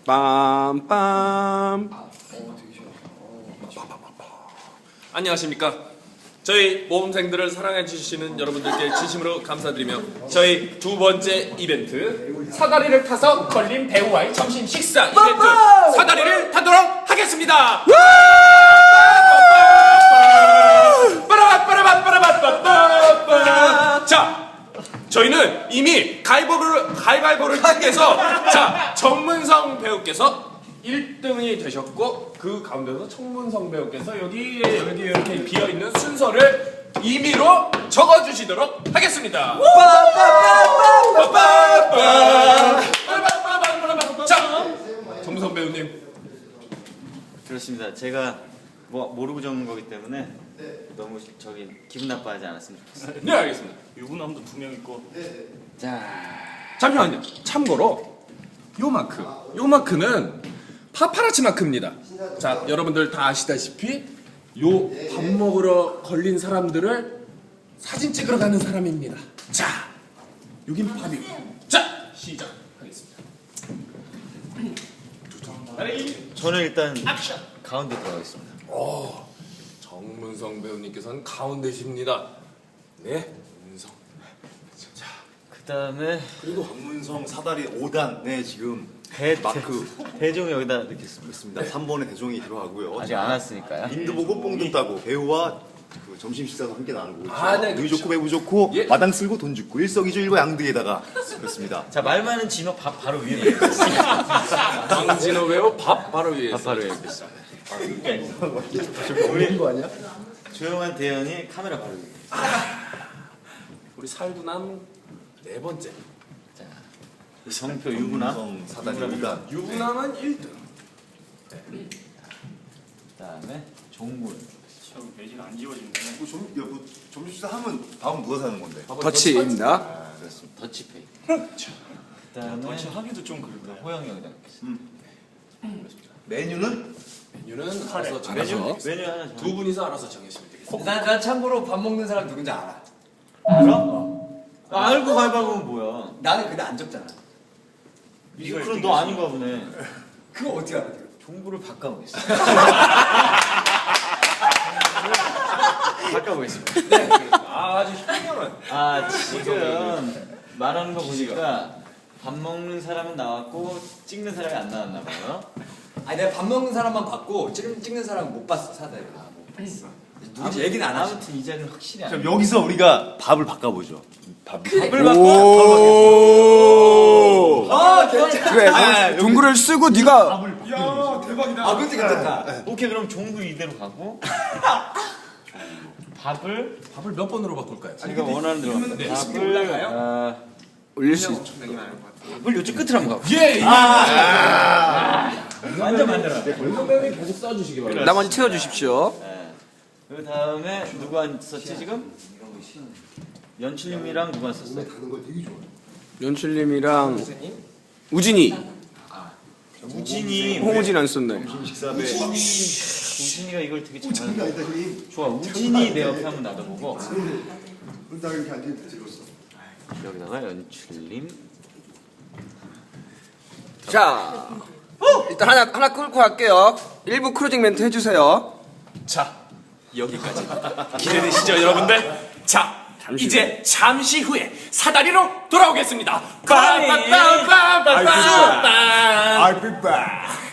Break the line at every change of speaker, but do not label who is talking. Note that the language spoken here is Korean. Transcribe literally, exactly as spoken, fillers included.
빰빰.
안녕하십니까. 저희 모범생들을 사랑해 주시는 여러분들께 진심으로 감사드리며 저희 두 번째 이벤트 사다리를 타서 걸린 배우와의 점심 식사 이벤트 사다리를 타도록 하겠습니다. 자, 저희는 이미 가위바위보를 가위바위보를 통해서 자 정문성 배우께서 일 등이 되셨고 그 가운데서 청문성 배우께서 여기 여기 이렇게 비어 있는 순서를 임의로 적어주시도록 하겠습니다. 자, 정문성 배우님.
그렇습니다. 제가 뭐 모르고 적는 거기 때문에 너무 저기 기분 나빠하지 않았으면 좋겠어요.
네, 알겠습니다.
유부남도 두 명 있고.
자,
잠시만요. 참고로 요 마크, 요 마크는 파파라치 마크입니다. 자, 여러분들 다 아시다시피 요 밥 먹으러 걸린 사람들을 사진 찍으러 가는 사람입니다. 자, 여긴 밥이고. 자, 시작하겠습니다.
저는 일단 가운데 들어가겠습니다.
오, 정문성 배우님께서는 가운데십니다. 네, 문성. 자,
그 다음에
그리고 박문성 사다리 오 단에 지금
대
마크
대종 여기다 넣겠습니다.
있습니다. 삼 번에 대종이 들어가고요.
아직 안 왔으니까요.
인도 보고 뽕도 따고 배우와 그 점심 식사도 함께 나누고
아, 네,
누이
그렇죠.
좋고 배우 좋고
예.
마당 쓸고 돈 죽고 일석이조일과 양득에다가 그렇습니다.
자, 말 많은 진호 밥 바로 위에 넣겠습니다.
강진호 배우 밥 바로 위에
밥 바로 위에 넣겠습니다. 우리 조용한 대현이 카메라 바로 위에.
우리 살구남 네 번째.
자, 성표 유부남.
박문성 사다리 오 단.
유부남은 일 등.
그 다음에 종물.
저 매진 안 지워진네.
뭐 점, 야, 뭐 점심 식사 하면 다음 누가 사는 건데?
터치입니다.
아, 그렇습니다.
더치페이.
그렇죠.
그 다음에
덩치 하기도 좀 그렇다.
호영이 여기다 넣겠습니다.
메뉴는
메뉴는 알아서
메뉴
정해서
메뉴 하나 정.
두 분이서 알아서 정해주시면 되겠습니다.
난, 난 참고로 밥 먹는 사람 누군지 알아.
알아? 아, 알고 가위바위보면 뭐야?
나는 근데 안 적잖아.
이거 그럼 너 아닌가 보네.
그거 어떻게 알아?
종부를 바꿔보겠습니다. 바꿔보겠습니다.
네, 아, 아주 현명한.
아, 지금 말하는 거 보니까 밥 먹는 사람은 나왔고 찍는 사람이 안 나왔나 봐요.
아니 내가 밥 먹는 사람만 봤고 찍, 찍는 사람은 못 봤어 사다리. 아, 못 봤어. 누군지 얘기는 안 하지.
아무튼 이 자리는 확실히 안
그럼
돼.
여기서 우리가 밥을 바꿔보죠. 밥.
밥을 바꿔.
오.
아 괜찮아.
그래, 너 동굴을 쓰고 네가
야, 대박이다.
아 그것도 괜찮다.
오케이, 그럼 종부 이대로 가고 밥을
밥을 몇 번으로 바꿀까요?
네가 원하는 대로
네.
갑니다. 밥을 아,
올릴 수 있죠.
밥을 요쪽 끝으로 한번 가고.
예, 예.
완전 만들어.
정성 배우님 계속 써주시기 바랍니다.
나머지 채워주십시오.
네. 그 다음에 누구 안 썼지 지금? 연출님이랑 누구 안 썼어?
연출님이랑 우진이,
우진이.
홍우진 안 썼네.
점심 식사에
우진이가 이걸 되게 잘하는. 좋아, 우진이 내 옆에 한번 놔둬보고. 여기다가 연출님.
자, 일단 하나 하나 끌고 갈게요. 일부 크루징 멘트 해주세요.
자, 여기까지. 기대되시죠, 여러분들? 자, 이제 잠시 후에 사다리로 돌아오겠습니다. 빠빠빠빠빠빠.
I'll be back.